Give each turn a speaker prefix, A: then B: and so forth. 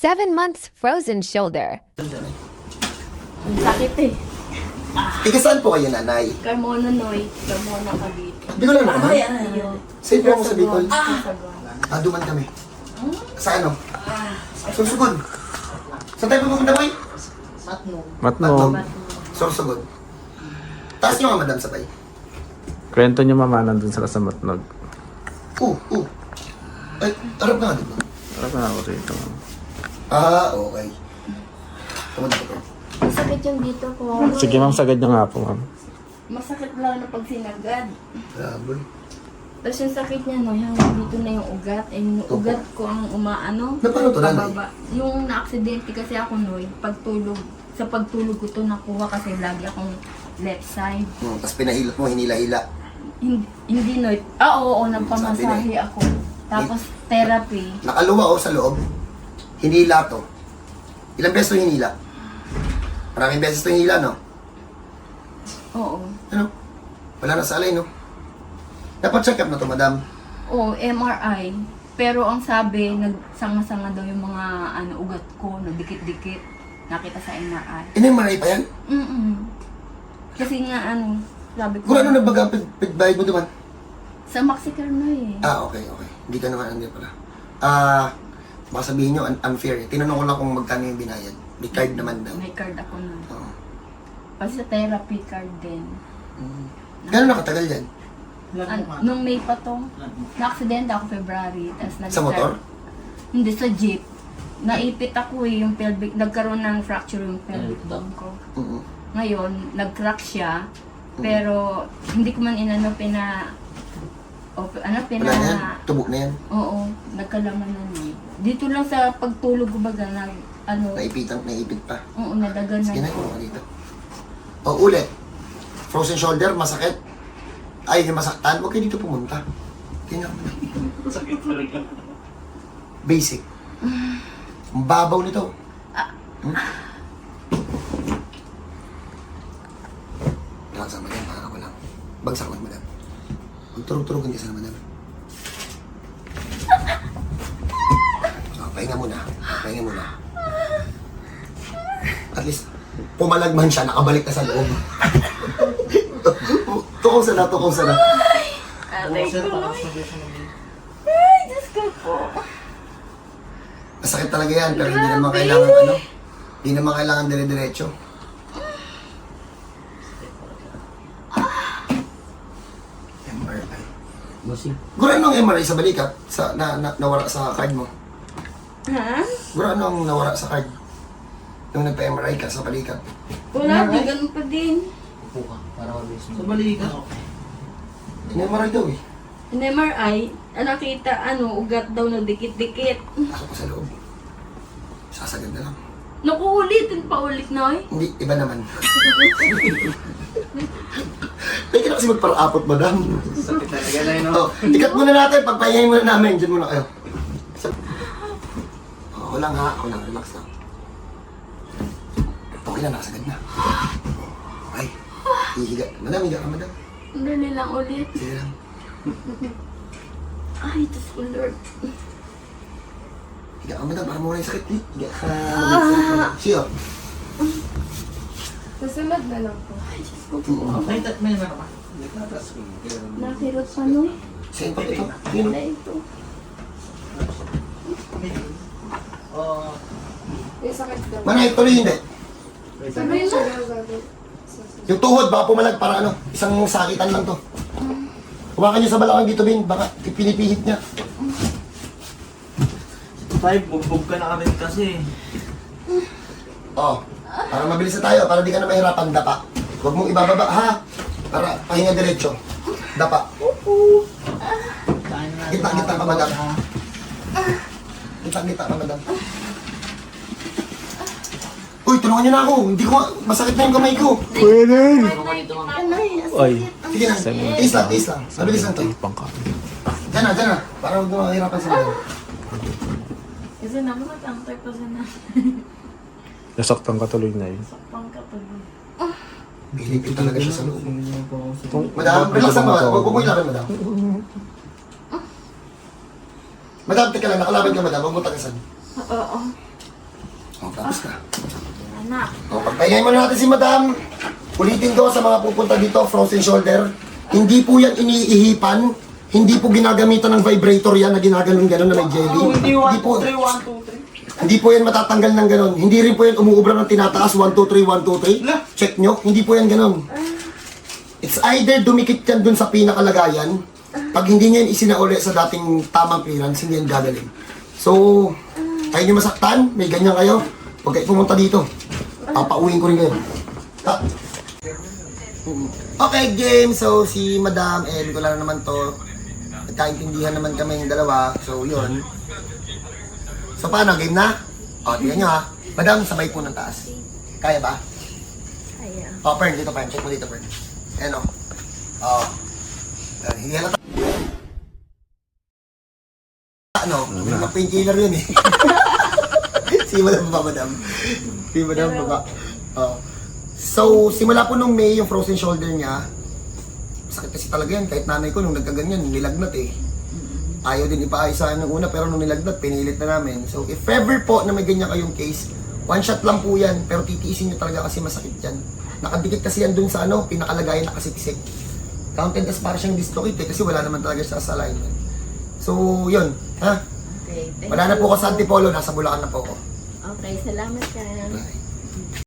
A: 7 months frozen shoulder.
B: Ang sakit eh.
C: Ika saan po kayo, nanay?
B: Carmona Noy. Carmona Cavite.
C: Bicol lang naman?
B: Ayun.
C: Saan po ako sa Bicol?
B: Saguan.
C: Duman kami. Sa ano? Sursugod. Saan tayo pupunta boy?
D: Matnog.
C: Sursugod. Taas nyo nga madam sabay.
D: Kwento niyo mama nandun sila sa Matnog.
C: Ay, harap na nga dito.
D: Harap na ako rito.
C: Okay. Tumunta ko.
B: Masakit yung dito ko.
D: Sige ma'am, sagad niyo nga po ma'am.
B: Masakit lang na pag sinagad.
C: Grabe.
B: Tapos yung sakit niya, no, hanggang dito na yung ugat. Eh, yung ugat ko ang umaano.
C: Na paano to, nanay?
B: pababa. Yung na-aksidente kasi ako, no, pagtulog. Sa pagtulog ko to nakuha kasi lagi akong left side.
C: Tapos pinahilot mo, hinila-hila.
B: Hindi, no. Oo, nagpamasahe ako. Tapos therapy.
C: Nakaluwa sa loob. Hinila to. Ilang beses to hinila? Maraming beses to hinila, no?
B: Oo.
C: Ano? Wala na sa alay, no? Dapat check up na to, madam.
B: Oo, MRI. Pero ang sabi, nagsanga-sanga daw yung mga ugat ko, dikit-dikit. Nakita sa MRI.
C: In-MRI pa yan?
B: Kasi nga sabi ko.
C: Kung ano nagbaga ang pigbayad mo duman?
B: Sa Maxicare na eh.
C: Okay. Hindi ka naman, hindi pala. Baka sabihin nyo, unfair. Tinanong ko lang kung magkano yung binayad. May card naman daw.
B: May card ako na.
C: Oo.
B: Kasi sa therapy card din.
C: Gano'n nakatagal yan?
B: Nung May pa to, na-accident ako February.
C: Sa motor?
B: Hindi, sa jeep. Naipit ako yung pelvic, nagkaroon ng fracture yung pelvic bone ko. Ngayon, nag-crack siya, pero hindi ko man
C: Wala na yan? Tubo na yan?
B: Oo, nagkalaman na niya. Dito lang sa pagtulog ko baga,
C: Naipit pa.
B: Oo, nadagan na.
C: Sige na, kung dito. Ulit. Frozen shoulder, masakit. Ay, yung masaktan, huwag kayo dito pumunta. Tingnan mo na.
E: Sakit talaga.
C: Basic. Ang babaw nito. Relax ang madam, para ko lang. Bagsak lang, madam. Magturog-turogan ka sana, madam. Pahinga muna. At least, pumalagman siya, nakabalik na sa loob. Tukaw sana.
B: Aray ko. Ay, Diyos ko po.
C: Masakit talaga yan, pero hindi naman kailangan hindi naman kailangan dire-diretso. MRI. Gura anong MRI sa balikat? Nawara sa card mo?
B: Ha?
C: Gura anong nawara sa card? Nung nagpa-MRI ka sa balikat?
B: Wala, di ganun pa din.
E: Sa balikat.
C: In-MRI daw eh.
B: In MRI, nakita ugat daw na dikit-dikit.
C: Pasok ko sa loob. Sasagad na lang.
B: Naku, ulitin pa ulit, Noy.
C: Hindi, iba naman. Pwede na kasi magpara-apot, madam.
E: Sakit talaga na yun, no?
C: Ikat muna natin, pagpahingayin muna namin. Diyan muna kayo. Ako lang ha, relax lang. Okay lang, nakasagad na. Okay, hihiga. Madam, higa ka, madam.
B: Dali lang ulit.
C: Sige lang.
B: Ay, Diyos ko, Lord.
C: Higa ka, madam, para mawala yung sakit. Higa ka. Siyo.
B: Susunod na lang po. Ay, Diyos ko po.
E: May naman ka.
B: Nakirot pa, Noy.
C: Saan pa ito? Yun.
B: Wala ito.
C: Manay, tuloy hindi.
B: Sabi mo.
C: Yung tuhod, baka pumalag para isang sakitan lang to. Kumakan nyo sa balakang dito, Bin. Baka pinipihit niya.
E: Tayo, bugbog ka na kami kasi.
C: Para mabilis na tayo, para di ka na mahirapan, dapa. Huwag mong ibababa, ha? Para pahinga diretso. Dapa. Gitna ka, madam. Gitna ka, madam. Uy, tulungan niyo na ako. Hindi ko, masakit na yung kamay ko.
D: Pwede! Ay,
C: Sige na, tiis lang. Mabilis lang to. Diyan na. Para huwag mo mahirapan sa madam.
B: Kasi naman nag-antay pa sa
D: nasaktan ka tuloy na yun.
B: pangkatuloy.
C: Pilipil talaga siya sa loob. Madam, relax lang, madam. Huwag mo ilapin, madam. Madam, teka lang. Nakalaban ka, madam. Huwag mo tagasan.
B: Oo.
C: tapos na.
B: Anak.
C: O, pagpahingayin muna natin si madam. Ulitin ko sa mga pupunta dito, frozen shoulder. Hindi po yan iniihipan. Hindi po ginagamitan ng vibrator yan na ginaganon-ganon na may jelly. Hindi po. Hindi po yan matatanggal ng ganon. Hindi rin po yan umuubra ng tinataas. 1, 2, 3, 1, 2, 3. Check nyo. Hindi po yan ganon. It's either dumikit yan dun sa pinakalagayan. Pag hindi nyo yan isinauli sa dating tamang clearance, hindi yan gagaling. So, tayo nyo masaktan, may ganyan kayo. Huwag kayo pumunta dito. Papauwiin ko rin kayo. Ha? Okay, game. So, si Madam, ko lang naman to. Nagkaintindihan naman kami yung dalawa. So, yun. So, paano? Game na? O, tingnan nyo ha. Madam, sabay po ng taas. Kaya ba?
A: Kaya.
C: O, Pern, dito Pern. Check mo dito, Pern. Ayan o. O. Hindi halata. Ano? Mga painkiller yun eh. Si Madam ba, Madam? Si Madam ba ba? O. So, simula po nung May, yung frozen shoulder niya, sakit kasi talaga yan. Kahit nanay ko, nung nagkaganyan, nilagnat eh. Ayaw din ipaayos sa akin ng una, pero nung nilagnat, pinilit na namin. So, if ever po na may ganyan kayong case, one shot lang po yan, pero titiisin nyo talaga kasi masakit yan. Nakadikit kasi yan dun sa ano, pinakalagayan nakasiksik. Counted as para siyang dislocate eh, kasi wala naman talaga siya sa alignment. So, yun. Ha?
A: Okay.
C: Wala na po ako sa Antipolo, nasa Bulacan na po ako.
A: Okay, salamat ka.
C: Bye.